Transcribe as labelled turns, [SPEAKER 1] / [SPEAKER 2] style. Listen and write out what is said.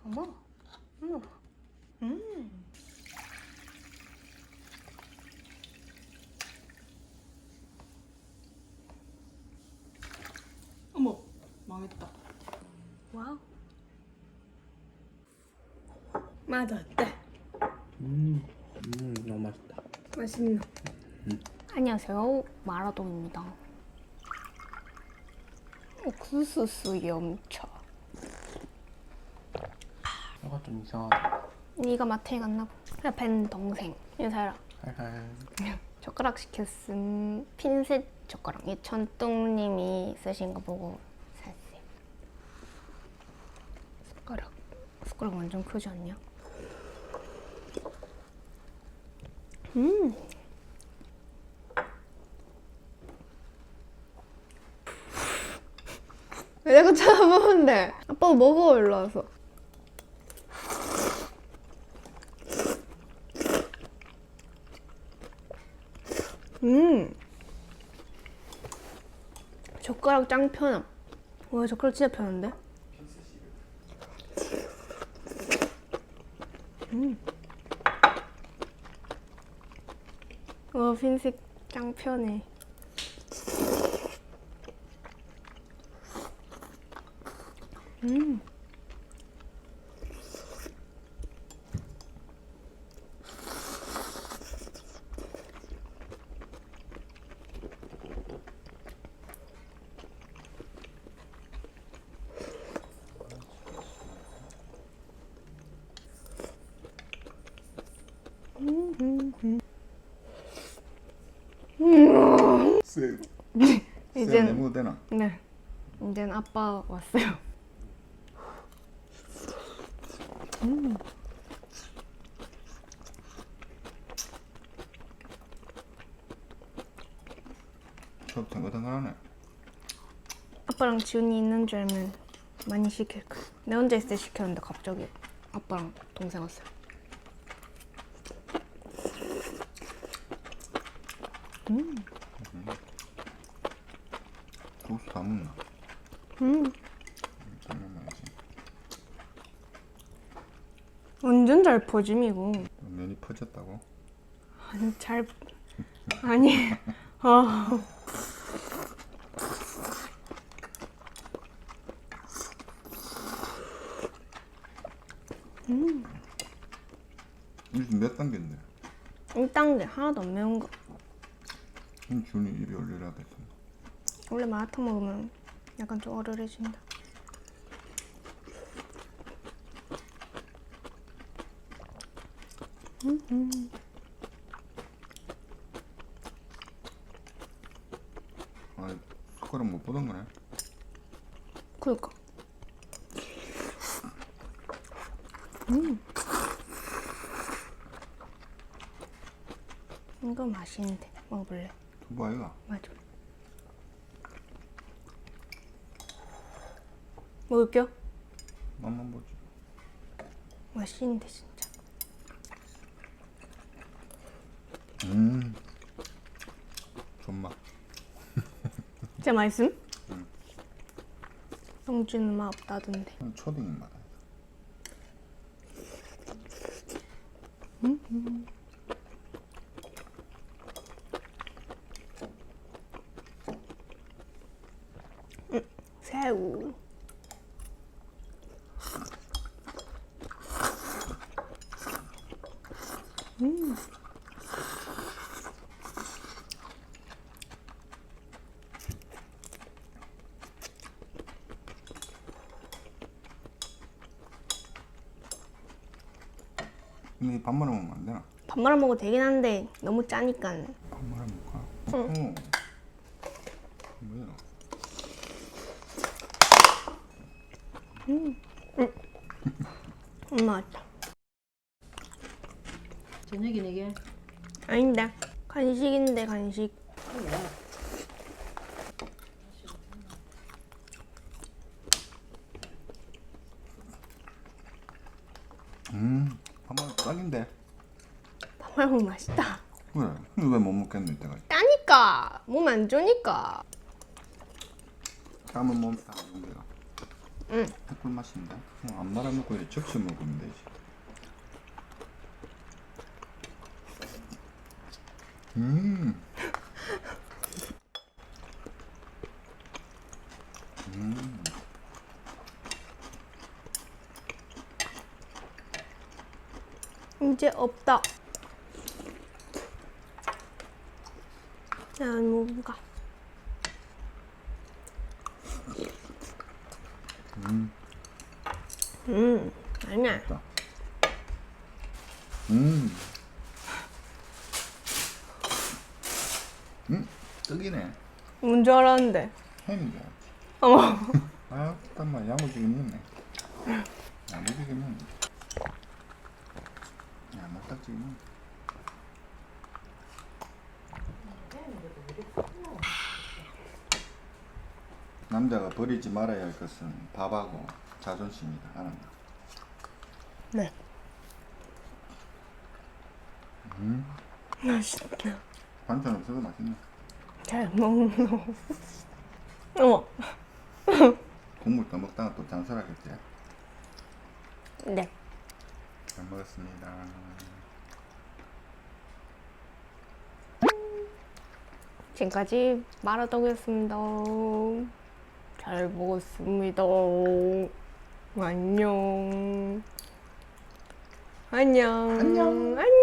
[SPEAKER 1] 어머, 어머, 어머, 망했다. 와우. 맛 어때?
[SPEAKER 2] 너무 맛있다.
[SPEAKER 1] 맛있나? 안녕하세요, 마라동입니다. 옥수수 염차.
[SPEAKER 2] 혀가 좀 이상하다.
[SPEAKER 1] 네가 마트에 갔나 봐. 그래, 벤 동생. 인사해라.
[SPEAKER 2] 할할.
[SPEAKER 1] 젓가락 시켰음. 핀셋 젓가락. 이 천똥님이 쓰신 거 보고 샀어요. 숟가락 완전 크지 않냐? 왜 자꾸 쳐다보는데? 아빠 먹어, 일로 와서. 젓가락 짱 편함. 와, 젓가락 진짜 편한데? 와, 핀셋 짱 편해.
[SPEAKER 2] 쎄.
[SPEAKER 1] 이젠
[SPEAKER 2] 내모도 되나?
[SPEAKER 1] 네, 이젠 아빠 왔어요.
[SPEAKER 2] 저 탱글탱글하네.
[SPEAKER 1] 아빠랑 지훈이 있는 줄 알면 많이 시킬 거야. 내 혼자 있을 때 시켰는데 갑자기 아빠랑 동생 왔어요.
[SPEAKER 2] 소스 다 먹나? 당면 말이지.
[SPEAKER 1] 완전 잘 퍼짐 이거.
[SPEAKER 2] 면이 퍼졌다고?
[SPEAKER 1] 아니 잘 아니 아
[SPEAKER 2] 이게 몇 단계인데?
[SPEAKER 1] 1단계 하나도 안 매운 거.
[SPEAKER 2] 준이 입이 올리라 됐어.
[SPEAKER 1] 원래 마라탕 먹으면 약간 좀 얼얼해진다.
[SPEAKER 2] 아, 숟가락 못 보던 거네.
[SPEAKER 1] 그니까. 이거 맛있는데 먹어볼래?
[SPEAKER 2] 두부 아이가?
[SPEAKER 1] 맞아. 먹을게요.
[SPEAKER 2] 맛만 보지.
[SPEAKER 1] 맛있는데 진짜.
[SPEAKER 2] 존맛.
[SPEAKER 1] 진짜 맛있음? 영주는 맛 없다던데.
[SPEAKER 2] 초딩 맛.
[SPEAKER 1] 새우.
[SPEAKER 2] 근데 밥 말아 먹으면 안 되나?
[SPEAKER 1] 밥 말아 먹어도 되긴 한데 너무 짜니까.
[SPEAKER 2] 밥 말아 먹을까?
[SPEAKER 1] 응.
[SPEAKER 2] 뭐야?
[SPEAKER 1] 맛있다.
[SPEAKER 3] 저녁이 내게
[SPEAKER 1] 아닌데 간식인데 간식.
[SPEAKER 2] 밥 말아 딱인데.
[SPEAKER 1] 밥 말아 먹으면 맛있다.
[SPEAKER 2] 그래. 근데 왜 못 먹겠노 이때까지?
[SPEAKER 1] 짜니까 몸 안 좋으니까.
[SPEAKER 2] 까면 몸 다.
[SPEAKER 1] 응.
[SPEAKER 2] 햇꿀 맛인데. 그냥 안 말아먹고 이렇게 적셔 먹으면 되지. 음. 음.
[SPEAKER 1] 이제 없다. 난 뭔가. 아니야.
[SPEAKER 2] 맛있다. 음. 떡이네.
[SPEAKER 1] 뭔 줄 알았는데.
[SPEAKER 2] 햄이야.
[SPEAKER 1] 어머.
[SPEAKER 2] 아, 잠깐만 야무지게 먹네. 야무지게 먹네. 야무딱지게 먹네. 남자가 버리지 말아야 할 것은 밥하고 자존심이다. 알았나?
[SPEAKER 1] 네. 맛있다.
[SPEAKER 2] 반찬 없어도 맛있네.
[SPEAKER 1] 잘 먹노. 어머.
[SPEAKER 2] 국물 더 먹다가 또 잔소리하겠지.
[SPEAKER 1] 네.
[SPEAKER 2] 잘 먹었습니다.
[SPEAKER 1] 지금까지 마라떡이었습니다. 잘 먹었습니다. 안녕. 안녕.
[SPEAKER 2] 안녕.
[SPEAKER 1] 안녕.